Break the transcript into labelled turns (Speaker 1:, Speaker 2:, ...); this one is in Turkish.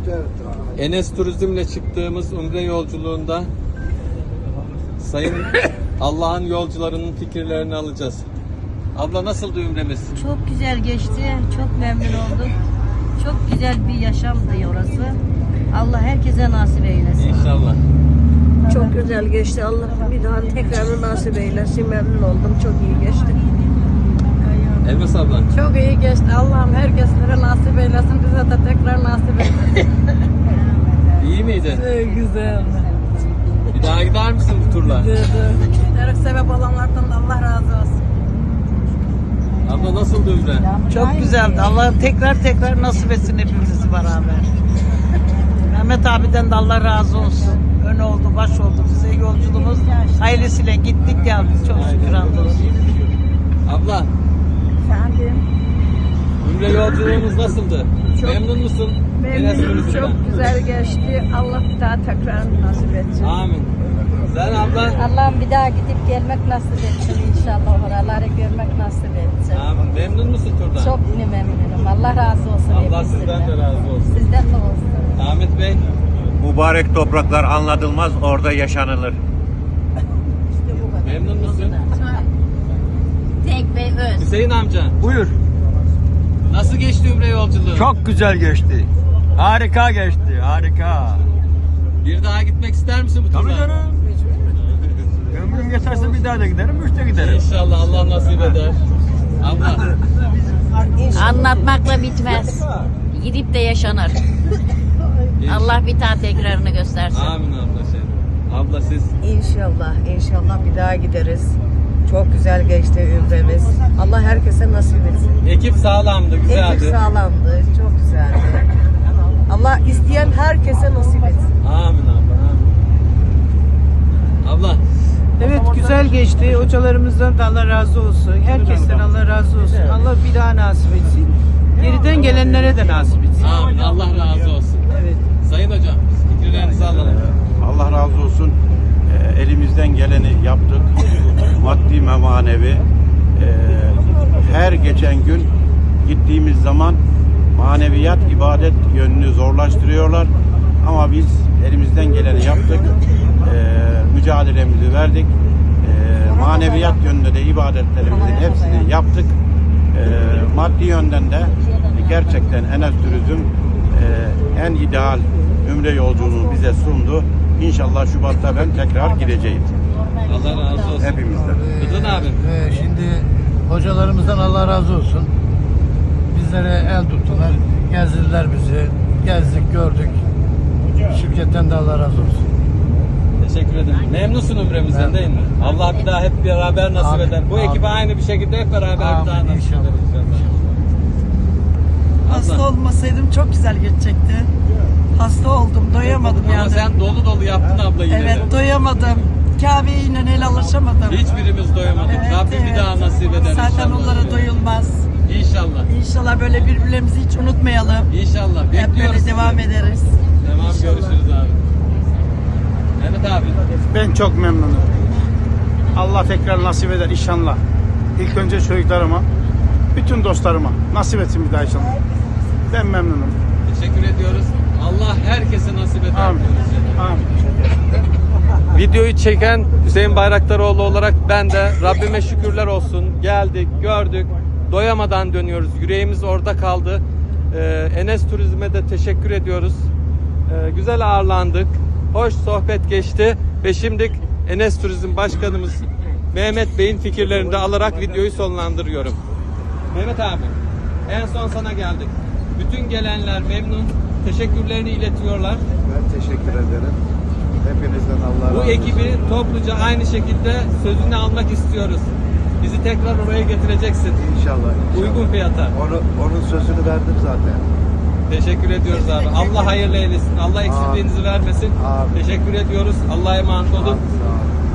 Speaker 1: Enes Turizm'le çıktığımız Umre yolculuğunda sayın Allah'ın yolcularının fikirlerini alacağız. Abla nasıldı Umre'miz?
Speaker 2: Çok güzel geçti. Çok memnun olduk. Çok güzel bir yaşamdı orası. Allah herkese nasip eylesin.
Speaker 1: İnşallah.
Speaker 3: Çok güzel geçti. Allah bir daha tekrar nasip eylesin. Memnun oldum. Çok iyi geçti.
Speaker 1: Elmas abla.
Speaker 4: Çok iyi geçti. Allah'ım herkeslere nasip eylesin. Bize de tekrar nasip eylesin.
Speaker 1: İyi miydi?
Speaker 4: Güzel.
Speaker 1: Bir daha gider misin bu turla?
Speaker 4: Giderek sebep olanlardan da Allah razı olsun.
Speaker 1: Abla nasıldı Umre?
Speaker 5: Çok güzeldi. Allah tekrar nasip etsin hepimizi beraber. Mehmet abiden de Allah razı olsun. Ön oldu, baş oldu. Bize yolculuğumuz hayırlısıyla gittik geldik. Çok şükür hamdolsun.
Speaker 1: Abla. Umre yolculuğumuz nasıldı? Memnun musun? Enes
Speaker 3: Memnunum.
Speaker 1: Turizm'den?
Speaker 3: Çok güzel geçti. Allah bir daha tekrar nasip etsin.
Speaker 1: Amin. Sen abla?
Speaker 2: Allah'ım bir daha gidip gelmek nasip etsin inşallah. Oraları görmek nasip etsin.
Speaker 1: Amin. Memnun musun turdan?
Speaker 2: Çok memnunum. Allah razı olsun.
Speaker 1: Allah
Speaker 2: hepinizden.
Speaker 1: sizden de razı olsun.
Speaker 2: Sizden de olsun.
Speaker 1: Ahmet Bey.
Speaker 6: Mübarek topraklar anlatılmaz, orada yaşanılır.
Speaker 1: Memnun musun?
Speaker 2: Tek Bey öz.
Speaker 1: Hüseyin amca.
Speaker 7: Buyur.
Speaker 1: Nasıl geçti Umre yolculuğu?
Speaker 7: Çok güzel geçti. Harika geçti. Harika.
Speaker 1: Bir daha gitmek ister misin bu turda?
Speaker 7: Tabii canım. Ömrüm geçerse bir daha da giderim, üç de giderim.
Speaker 1: İnşallah Allah nasip eder. Abla.
Speaker 8: Anlatmakla bitmez. Gidip de yaşanır. Allah bir daha tekrarını göstersin.
Speaker 1: Amin abla şey. Abla siz.
Speaker 3: İnşallah bir daha gideriz. Çok güzel geçti ümremiz. Allah herkese nasip etsin.
Speaker 1: Ekip sağlamdı, güzeldi.
Speaker 3: Ekip sağlamdı. Çok güzeldi. Allah isteyen herkese nasip etsin.
Speaker 1: Amin abla. Amin. Abla.
Speaker 5: Evet güzel geçti. Hocalarımızdan da Allah razı olsun. Herkesten Allah razı olsun. Allah bir daha nasip etsin. Geriden gelenlere de nasip etsin.
Speaker 1: Amin. Allah razı olsun.
Speaker 5: Evet.
Speaker 1: Sayın hocam fikirlerinizi alalım.
Speaker 6: Allah razı olsun. Elimizden geleni yaptık. Maddi ve manevi. Her geçen gün gittiğimiz zaman maneviyat, ibadet yönünü zorlaştırıyorlar. Ama biz elimizden geleni yaptık. Mücadelemizi verdik. Maneviyat yönünde de ibadetlerimizin hepsini yaptık. Maddi yönden de gerçekten Enes Turizm en ideal Ümre yolculuğunu bize sundu. İnşallah Şubat'ta ben tekrar gideceğim.
Speaker 1: Allah razı olsun.
Speaker 6: Hepimizden.
Speaker 1: Rıdvan abi.
Speaker 9: Şimdi hocalarımızdan Allah razı olsun. Bizlere el tuttular, gezdirdiler bizi. Gezdik, gördük. Şirketten de Allah razı olsun.
Speaker 1: Teşekkür ederim. Memnunsun Umre'mizden değil mi? Allah bir daha hep beraber nasip
Speaker 9: Amin.
Speaker 1: eder. Bu
Speaker 9: Amin.
Speaker 1: ekibe aynı bir şekilde hep beraber
Speaker 9: Amin.
Speaker 1: bir daha nasip
Speaker 9: İnşallah.
Speaker 1: eder inşallah.
Speaker 4: Hasta
Speaker 1: Abla.
Speaker 4: olmasaydım çok güzel geçecekti. Hasta oldum, doyamadım
Speaker 1: Ama
Speaker 4: yani.
Speaker 1: sen dolu dolu yaptın abla yine
Speaker 4: Evet,
Speaker 1: de.
Speaker 4: doyamadım. Kabe'ye yine el alışamadım.
Speaker 1: Hiçbirimiz doyamadık. Rabbim bir daha nasip eder
Speaker 4: Zaten
Speaker 1: inşallah.
Speaker 4: onlara doyulmaz.
Speaker 1: İnşallah.
Speaker 4: İnşallah böyle birbirlerimizi hiç unutmayalım.
Speaker 1: İnşallah.
Speaker 4: Hep
Speaker 1: Bekliyoruz
Speaker 4: böyle
Speaker 1: sizi.
Speaker 4: devam ederiz.
Speaker 1: Tamam görüşürüz abi. Evet abi.
Speaker 10: Ben çok memnunum. Allah tekrar nasip eder inşallah. İlk önce çocuklarıma, bütün dostlarıma nasip etsin bir daha inşallah. Ben memnunum.
Speaker 1: Teşekkür ediyoruz. Allah herkese nasip eder.
Speaker 10: Amin.
Speaker 1: diyoruz.
Speaker 10: Amin.
Speaker 1: Videoyu çeken Hüseyin Bayraktaroğlu olarak ben de Rabbime şükürler olsun. Geldik, gördük. Doyamadan dönüyoruz. Yüreğimiz orada kaldı. Enes Turizm'e de teşekkür ediyoruz. Güzel ağırlandık. Hoş sohbet geçti. Ve şimdi Enes Turizm Başkanımız Mehmet Bey'in fikirlerini de alarak videoyu sonlandırıyorum. Mehmet abi, en son sana geldik. Bütün gelenler memnun. Teşekkürlerini iletiyorlar.
Speaker 11: Ben teşekkür ederim. Hepinizden Allah razı
Speaker 1: Bu
Speaker 11: olsun.
Speaker 1: ekibi topluca aynı şekilde sözünü almak istiyoruz. Bizi tekrar oraya getireceksin.
Speaker 11: İnşallah.
Speaker 1: Uygun fiyata.
Speaker 11: Onun sözünü verdim zaten.
Speaker 1: Teşekkür ediyoruz abi. Allah hayırlı eylesin. Allah eksikliğinizi vermesin.
Speaker 11: Amin.
Speaker 1: Teşekkür ediyoruz. Allah'a emanet olun.
Speaker 11: Sağ olun.